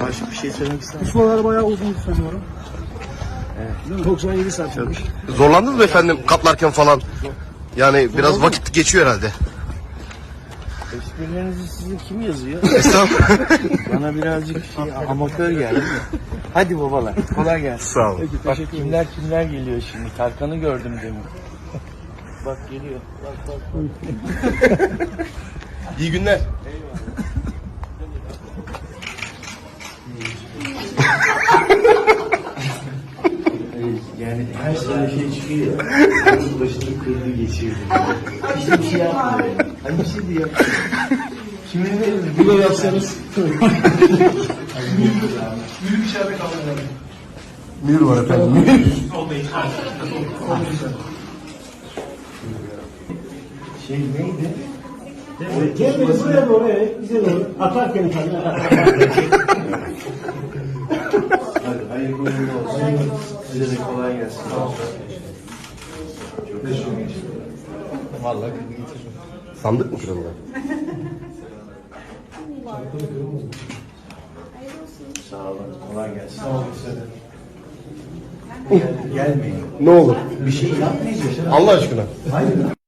Başka bir şey söylemek ister misin? Pusulalar bayağı uzun sanıyorum. Evet. 97 santimmiş. Zorlandınız mı efendim katlarken falan? Yani biraz vakit geçiyor herhalde. Esprilerinizi size kim yazıyor? Estağfurullah. Bana birazcık amatör geldi. Hadi babalar, kolay gelsin. Sağ olun. Peki, Bak teşekkür ederim. kimler geliyor şimdi. Tarkan'ı gördüm demin. Bak geliyor. Bak. İyi günler. Yani her sene şey çıkıyor. Onun başını kırdı geçirdi. Hiçbir şey yapmıyor. Hani bir şey de yapmıyor. Kime verir? Bu da yapsanız. Mühür var efendim. Şey neydi? Gel buraya doğru, evet, bize doğru. Atarken kendine Hadi hayırlı uğurlu olsun. Size de kolay gelsin. Çok teşekkür ederim. Vallahi getiririm. Sandık mı kırıldı? Sağ olun. Kolay gelsin. Sağ olun size de. Gelmeyin. Ne olur. Bir şey yapmayacağız. Allah aşkına. Hayır.